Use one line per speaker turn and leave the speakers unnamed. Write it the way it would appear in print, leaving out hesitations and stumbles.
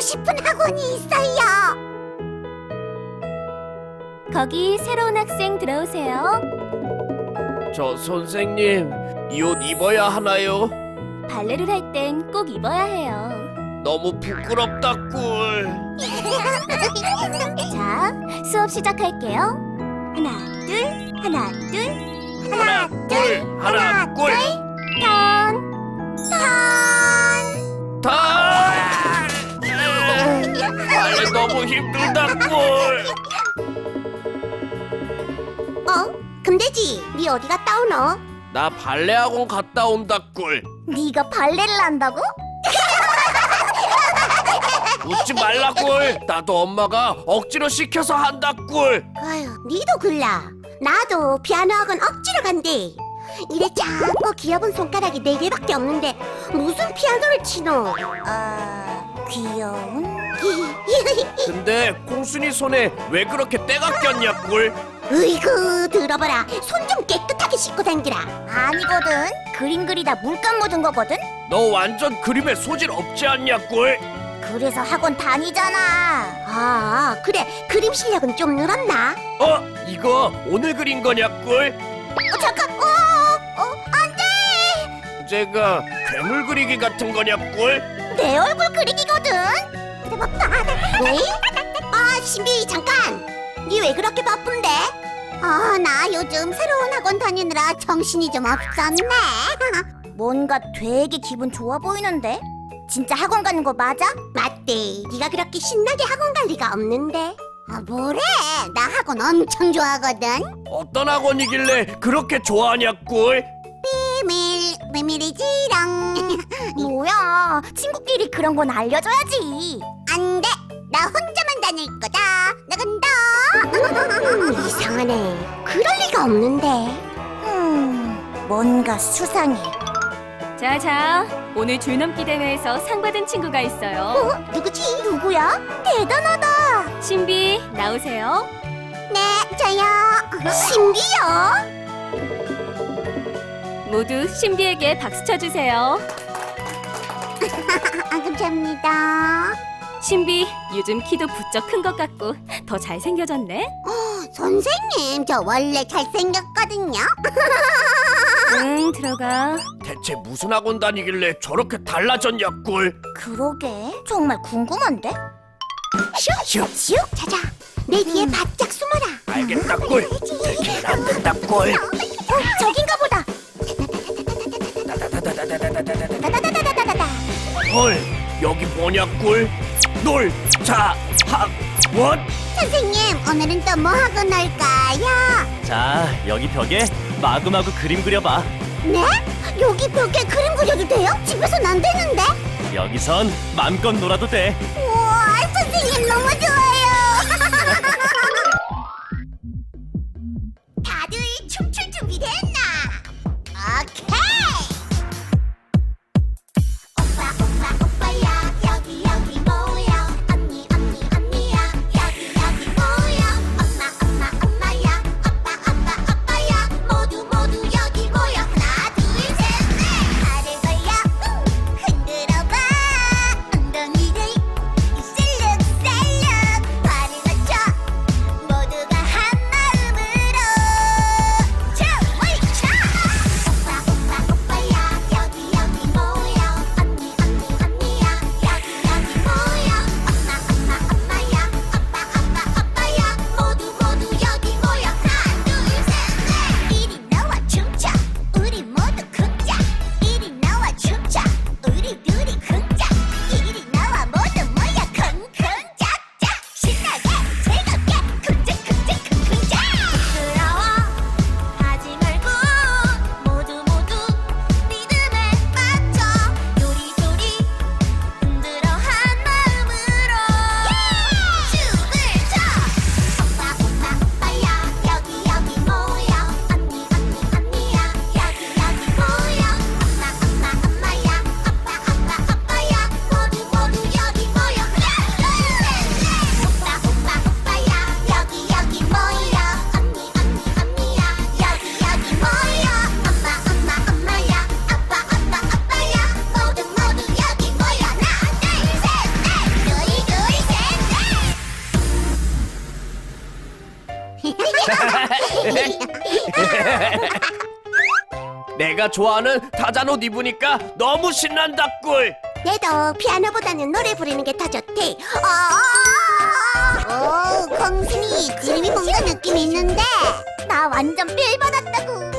싶은 학원이 있어요.
거기 새로운 학생 들어오세요.
저 선생님, 이 옷 입어야 하나요?
발레를 할 땐 꼭 입어야 해요.
너무 부끄럽다 꿀.
자, 수업 시작할게요. 하나, 둘, 하나, 둘,
하나 꿀, 하나 꿀.
턴.
다. 발레 너무 힘들다 꿀.
금돼지, 네 어디 갔다 오노?
나 발레 학원 갔다 온다 꿀.
네가 발레를 한다고?
웃지 말라 꿀. 나도 엄마가 억지로 시켜서 한다 꿀.
아유, 니도 글라. 나도 피아노 학원 억지로 간대. 이래 작고 귀여운 손가락이 4개밖에 없는데 무슨 피아노를 치노? 귀여운?
근데 콩순이 손에 왜 그렇게 때가 꼈냐 꿀?
으이구, 들어봐라. 손 좀 깨끗하게 씻고 다니라. 아니거든. 그림 그리다 물감 묻은 거거든.
너 완전 그림에 소질 없지 않냐 꿀?
그래서 학원 다니잖아. 아, 그래. 그림 실력은 좀 늘었나?
이거 오늘 그린 거냐 꿀?
잠깐. 안 돼.
제가 괴물 그리기 같은 거냐 꿀?
내 얼굴 그리기거든. 왜? 신비 잠깐. 니 왜 그렇게 바쁜데? 나 요즘 새로운 학원 다니느라 정신이 좀 없었네. 뭔가 되게 기분 좋아 보이는데? 진짜 학원 가는 거 맞아? 맞대. 네가 그렇게 신나게 학원 갈 리가 없는데. 뭐래? 나 학원 엄청 좋아하거든.
어떤 학원이길래 그렇게 좋아하냐 꿀?
비밀이지롱. 뭐야? 친구끼리 그런 건 알려줘야지. 안 돼. 나 혼자만 다닐 거다. 나간다. 이상하네. 그럴 리가 없는데. 뭔가 수상해.
자, 오늘 줄넘기 대회에서 상 받은 친구가 있어요.
누구지? 누구야? 대단하다.
신비, 나오세요.
네, 저요. 신비요?
모두 신비에게 박수 쳐주세요.
감사합니다.
신비, 요즘 키도 부쩍 큰 것 같고 더 잘생겨졌네.
선생님, 저 원래 잘생겼거든요.
응, 들어가.
대체 무슨 학원 다니길래 저렇게 달라졌냐 꿀?
그러게, 정말 궁금한데?
슉.
슉, 자자. 내 뒤에 바짝 숨어라.
알겠다 꿀. 들키면 안 된다 꿀.
저긴가 보다. 다다다다다다다다다다다다다다.
헐, 여기 뭐냐 꿀? 놀자학원?
선생님, 오늘은 또 뭐 하고 놀까요?
자, 여기 벽에 마구마구 그림 그려봐.
네? 여기 벽에 그림 그려도 돼요? 집에선 안 되는데?
여기선 맘껏 놀아도 돼.
우와, 선생님 너무 좋아요. 다들 춤출 준비 됐나? 오케이. 오빠야 여기 모여. 언니 언니야 여기 모여. 엄마야 오빠야 모두 여기 모여. 하나 둘 셋 넷. 발을 벌려 흔들어봐. 엉덩이를 이슬륵슬륵.
내가 좋아하는 타잔 옷 입으니까 너무 신난다 꿀.
얘도 피아노보다는 노래 부르는 게 더 좋대. 오, 공순이 지름이 뭔가 느낌 있는데 나 완전 필 받았다고.